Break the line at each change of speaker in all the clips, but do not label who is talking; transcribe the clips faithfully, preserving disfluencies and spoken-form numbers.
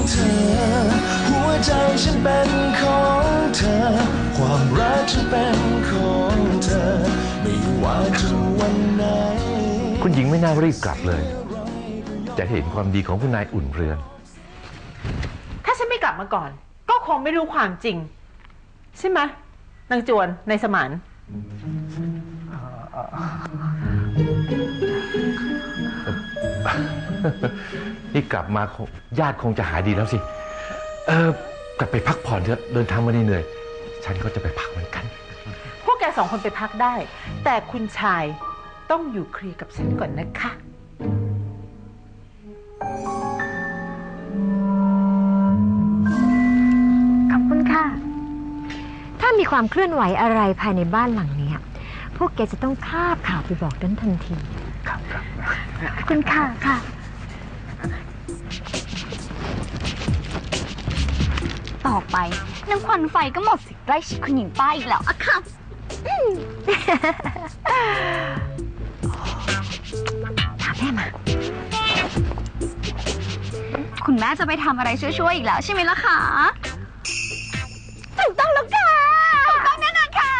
เธอหัวใจฉันเป็นของเธอความรักฉันเป็นของเธอไม่ว่าจะวันไหน
คุณหญิงไม่น่ารีบกลับเลยจะเห็นความดีของคุณนายอุ่นเรือน
ถ้าฉันไม่กลับมาก่อนก็คงไม่รู้ความจริงใช่ไหมนางจวนนายสมาน
นี่กลับมาญาติคงจะหายดีแล้วสิเออกลับไปพักผ่อนเถอะเดินทางมาเหนื่อยฉันก็จะไปพักเหมือนกัน
พวกแกสองคนไปพักได้แต่คุณชายต้องอยู่เคลียร์กับฉันก่อนนะคะ
ขอบคุณค่ะถ้ามีความเคลื่อนไหวอะไรภายในบ้านหลังนี้พวกแกจะต้องคาบข่าวไปบอกดันทันทีครับครับขอบคุณค่ะค่ะ
ต่อไปนางควันไฟก็หมดสิทธิ์ไล่ชิดคุณหญิงป้าอีกแล้วอะค่ะ
ถามแม่มา
คุณแม่จะไปทำอะไรช่วยๆอีกแล้วใช่ไหมล่ะคะถูกต้องแล้วค่ะถูกต้องแน่นอนค่ะ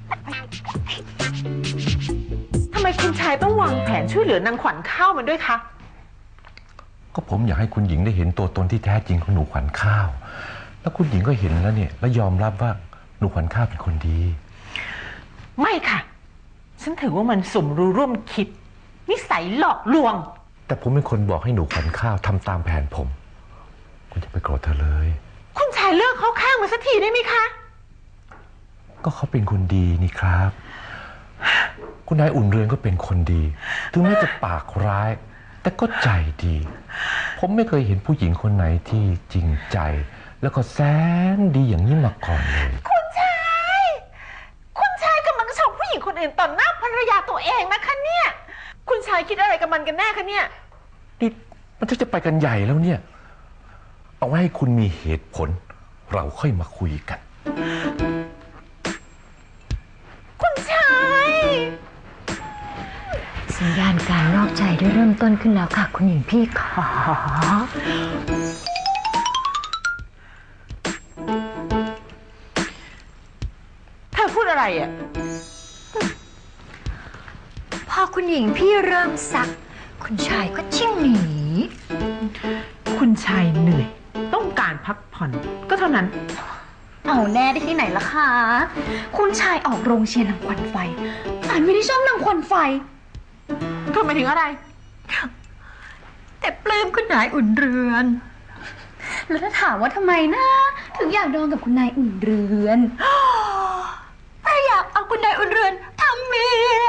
ทำไมคุณชายต้องวางแผนช่วยเหลือนางขวัญข้าวมันด้วยคะ
ก็ผมอยากให้คุณหญิงได้เห็นตัวตนที่แท้จริงของหนูขวัญข้าวแล้วคุณหญิงก็เห็นแล้วเนี่ยและยอมรับว่าหนูขวัญข้าวเป็นคนดี
ไม่ค่ะฉันถือว่ามันสมรู้ร่วมคิดนิสัยหลอกลวง
แต่ผมเป็นคนบอกให้หนูขวัญข้าวทำตามแผนผมคุณจะไปโกรธเธอเลย
คุณชายเลิกเข้าข้างมาสักทีได้ไหมคะ
ก็เขาเป็นคนดีนี่ครับคุณนายอุ่นเรือนก็เป็นคนดีถึงแม้จะปากร้ายแต่ก็ใจดีผมไม่เคยเห็นผู้หญิงคนไหนที่จริงใจแล้วก็แสนดีอย่างนี้มาก่อนเลย
คุณชายคุณชายกำลังชมผู้หญิงคนอื่นต่อหน้าภรรยาตัวเองนะคะเนี่ยคุณชายคิดอะไรกับมันกันแน่คะเนี่ย
นี่มันจะไปกันใหญ่แล้วเนี่ยเอาไว้ให้คุณมีเหตุผลเราค่อยมาคุยกัน
คุณชาย
สัญญาณการนอกใจได้เริ่มต้นขึ้นแล้วค่ะคุณหญิงพี่ขอ
เธอพูดอะไรอ่ะ
พอคุณหญิงพี่เริ่มซักคุณชายก็ชิ่งหนี
คุณชายเหนื่อยต้องการพักผ่อนก็เท่านั้น
เอาแน่ได้ที่ไหนล่ะคะคุณชายออกโรงเชียร์นางควันไฟอ่านไม่ได้ชอบนางควันไฟ
เธอหมายถึงอะไร
แต่ปลื้มคุณนายอุ่นเรือน
แล้วถ้าถามว่าทำไมนะถึงอยากนอนกับคุณนายอุ่นเรือน
เพราะอยากเอาคุณนายอุ่นเรือนทำเมีย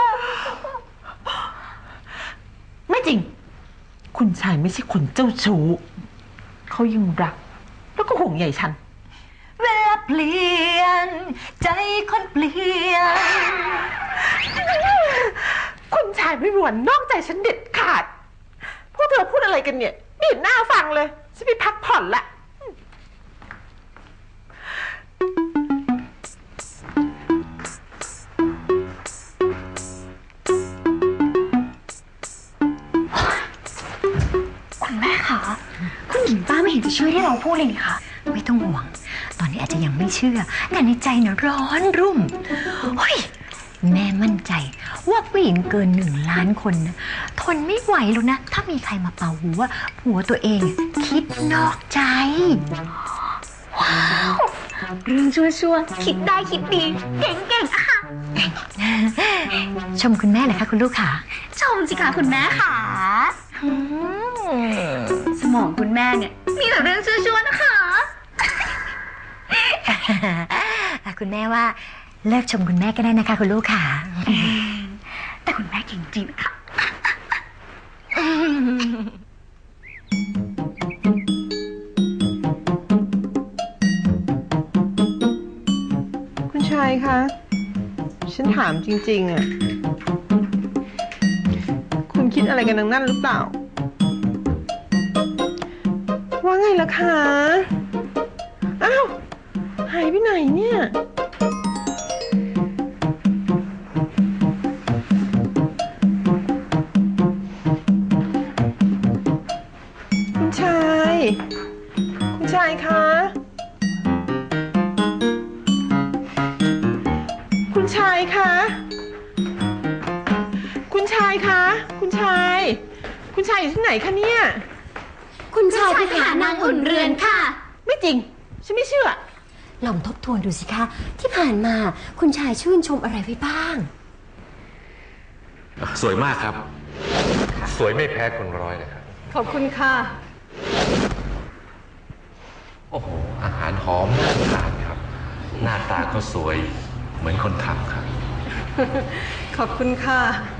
ไม่จริงคุณชายไม่ใช่คนเจ้าชู้เขายังรักแล้วก็ห่วงใยฉัน
เวลาเปลี่ยนใจคนเปลี่ยน
คุณชายไม่มีวันนอกใจฉันเด็ดขาดพวกเธอพูดอะไรกันเนี่ยไม่เห็นหน้าฟังเลยฉันไปพักผ่อนละ
คุณแม่คะคุณหญิงป้าไม่เห็นจะช่วยให้เราพูดเลยนี่คะ
ไม่ต้องห่วงตอนนี้อาจจะยังไม่เชื่อแต่ในใจเนี่ยร้อนรุ่มเฮ้ยแม่มั่นใจว่าผู้หญิงเกินหนึ่งล้านคนนะทนไม่ไหวหรอกนะถ้ามีใครมาเป่าหูว่าผัวตัวเองคิดนอกใจ
ว้าวเรื่องชั่วๆคิดได้คิดดีเก่งๆอะค่ะ
ชมคุณแม่เลยค่ะคุณลูกค่ะ
ชมสิคะคุณแม่ค่ะสมองคุณแม่เนี่ยมีแต่เรื่องชั่วๆนะคะ
คุณแม่ว่าเลิกชมคุณแม่ก็ได้นะคะคุณลูกค่ะ
แต่คุณแม่เก่งจริงค่ะ
คุณชายคะฉันถามจริงๆอ่ะคุณคิดอะไรกันนั่นหรือเปล่าว่าไงล่ะคะอ้าวหายไปไหนเนี่ยคุณชายชายคะ คุณชายคะ คุณชายคะ คุณชาย คุณชายอยู่ที่ไหนคะเนี่ย
คุณชายไปหานางอุ่นเรือนค่ะ
ไม่จริง ฉันไม่เชื่อ
ลองทบทวนดูสิคะ ที่ผ่านมาคุณชายชื่นชมอะไรไว้บ้าง
สวยมากครับ สวยไม่แพ้คนร้อยเลยครับ
ขอบคุณค่ะ
โอ้โห อาหารหอมน่าทานครับ หน้าตาก็สวยเหมือนคนทำครับ
ขอบคุณค่ะ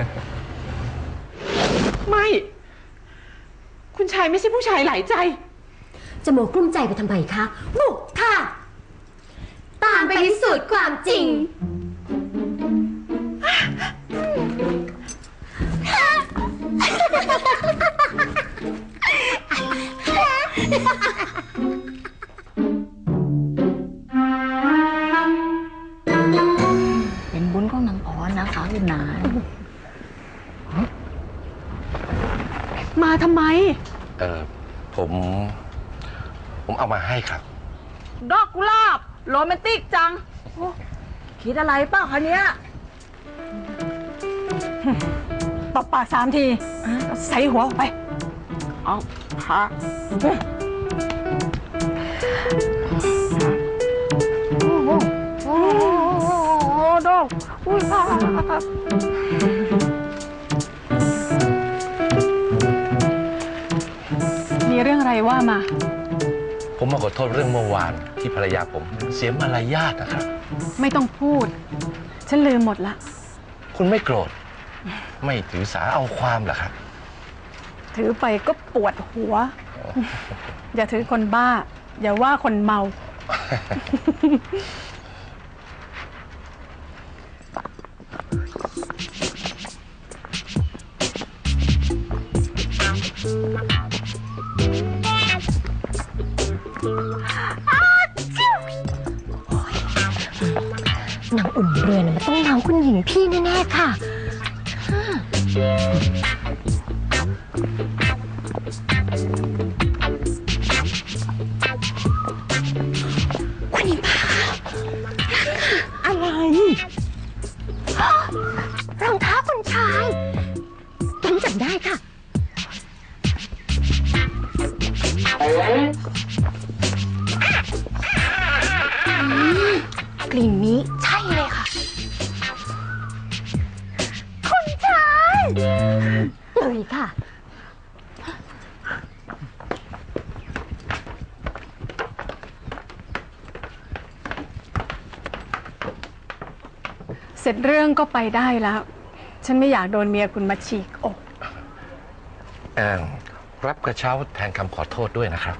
ไม่ คุณชายไม่ใช่ผู้ชายหลายใจ
จะโมกลุ้มใจไปทำไมคะบุกค่ะ ตามไปพิสูจน์ความจริง
เป็นบุญของนางพรนะคะคุณนาย
มาทำไม
เออผม ผมเอามาให้ครับ
ดอกกุหลาบโรแมนติกจังโอ้คิดอะไรเปล่าคะเนี้ย
ตบปากสามทีใส่หัวออกไป
เอาค่ะโอ้โหโอ้โหดอกอุ้ยค่ะ
มีเรื่องอะไรว่ามา
ผมมาขอโทษเรื่องเมื่อวานที่ภรรยาผมเสียมารยาทนะครับ
ไม่ต้องพูด ฉันลืมหมดละ
คุณไม่โกรธ ไม่ถือสาเอาความเหรอครับ
ถือไปก็ปวดหัว อย่าถือคนบ้า อย่าว่าคนเมา
นางอุ่นเรือนมันต้องน้องคุณหญิงพี่แน่ๆค่ะ คุณหญิงป้าอะไร รองเท้าคุณชายฉันจำได้ค่ะ กลิ่นนี้ใช่เลยค่ะ คุณชายเลยค่ะ
เสร็จเรื่องก็ไปได้แล้ว ฉันไม่อยากโดนเมียคุณมาฉีกอก
แอนรับกระเช้าแทนคำขอโทษด้วยนะครับ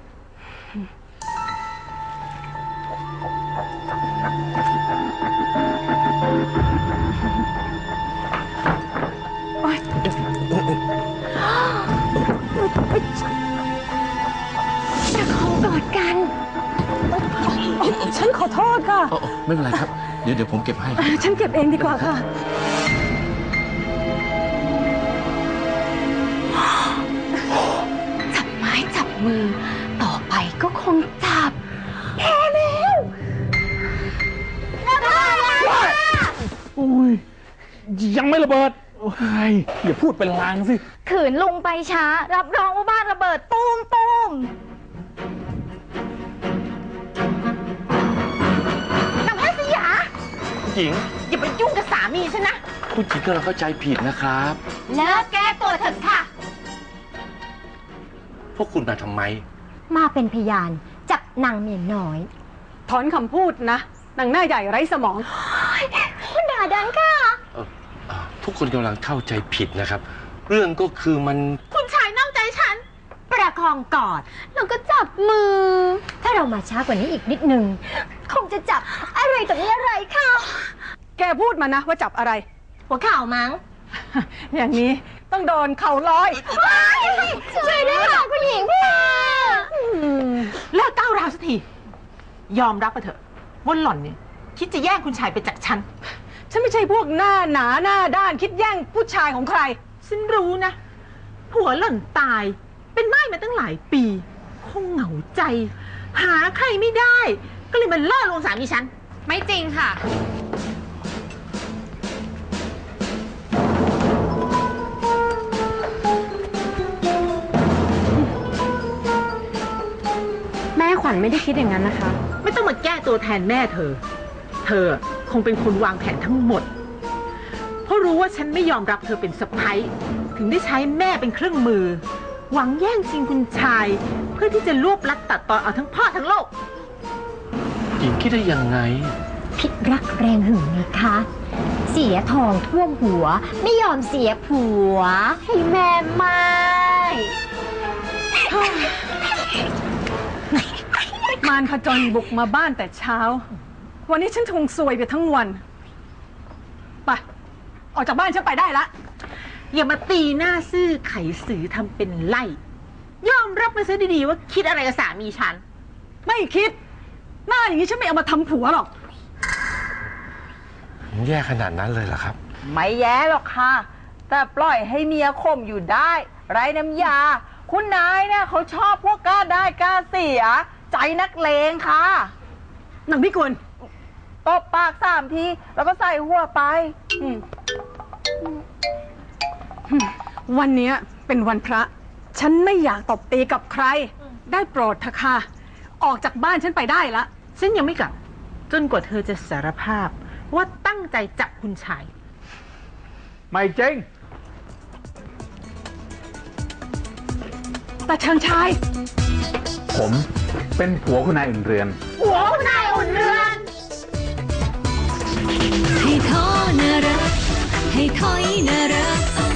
โอ๊ย
จะขอกอดกัน
ฉันขอโทษค่ะ
ไม่เป็นไรครับ เดี๋ยวเดี๋ยวผมเก็บให้
ฉันเก็บเองดีกว่าค่ะ
จับไม้จับมือ ต่อไปก็คงจับแพ้แล้วระเบิดแล้ว
อุ้ยยังไม่ระเบิดโอ้ยอย่าพูดเป็นลางสิ
ขืนลงไปช้า รับรองว่าบ้านระเบิดตูมตูม
นางแพทย์สยา
ผู้หญิง
อย่าไปยุ่งกับสามีฉันนะ
ผู้หญิงก็เราเข้าใจผิดนะครับ
เลิกแก้ตัวเถอะค่ะ
พวกคุณมาทำไม
มาเป็นพยานจับนางเมียน้อย
ถอนคำพูดนะนางหน้าใหญ่ไร้สมอง
คุณด่าดังค่ะ
เอ่อเอ่อทุกคนกำลังเข้าใจผิดนะครับ เรื่องก็คือมัน
คุณชายนอกใจฉัน
ประคองกอดแล้วก็จับมือ ถ้าเรามาช้ากว่านี้อีกนิดนึง คงจะจับอะไรต่อมีอะไรค่ะ
แกพูดมานะว่าจับอะไร
หัวเข่ามั้ง
อย่างนี้ต้องโดนเข่าร้อย
ช่วยด้วยค่ะคุณหญิงพี่
เลิกก้าวร้าวสักที ยอมรับไปเถอะว่าหล่อนเนี่ยคิดจะแย่งคุณชายไปจากฉัน ฉันไม่ใช่พวกหน้าหนาหน้าด้านคิดแย่งผู้ชายของใคร ฉันรู้นะ ผัวหล่อนตาย เป็นไม้มาตั้งหลายปี คงเหงาใจหาใครไม่ได้ ก็เลยมาล่อลวงสามีฉัน
ไม่จริงค่ะ
แม่ขวัญไม่ได้คิดอย่างนั้นนะคะ
ไม่ต้องมาแก้ตัวแทนแม่เธอ เธอคงเป็นคนวางแผนทั้งหมด เพราะรู้ว่าฉันไม่ยอมรับเธอเป็นสะใภ้ถึงได้ใช้แม่เป็นเครื่องมือ หวังแย่งชิงคุณชาย เพื่อที่จะรวบลัดตัดตอนเอาทั้งพ่อทั้งโลก
หญิงคิดได้ยังไง
พิษรักแรงหึงไงคะ เสียทองท่วมหัว ไม่ยอมเสียผัว ให้แม่ไม่
มารผจญบุกมาบ้านแต่เช้า วันนี้ฉันคงซวยไปทั้งวัน ไป ออกจากบ้านฉันไปได้ละ
อย่ามาตีหน้าซื่อไขสือทำเป็นไล่ ยอมรับมาซะดีๆว่าคิดอะไรกับสามีฉัน
ไม่คิด หน้าอย่างนี้ฉันไม่เอามาทำผัวหรอก
แย่ขนาดนั้นเลยเหรอครับ
ไม่แย่หรอกค่ะ แต่ปล่อยให้เมียข่มอยู่ได้ ไร้น้ำยา คุณนายเนี่ยเขาชอบพวกกล้าได้กล้าเสีย ใจนักเลงค่ะ
หนังพี่กุล
ตบปากสามทีแล้วก็ใส่หัวไป
อืมวันนี้เป็นวันพระ ฉันไม่อยากตบตีกับใคร ได้โปรดเถอะค่ะ ออกจากบ้านฉันไปได้ละ
ฉันยังไม่กลับ จนกว่าเธอจะสารภาพว่าตั้งใจจับคุณชาย
ไม่จริง
แต่เชิงชาย
ผมเป็นผัวคุณนายอุ่นเรือน
หัวคุณนายอุ่นเรือน
ให้ท้อนะรักให้ถอยนะรัก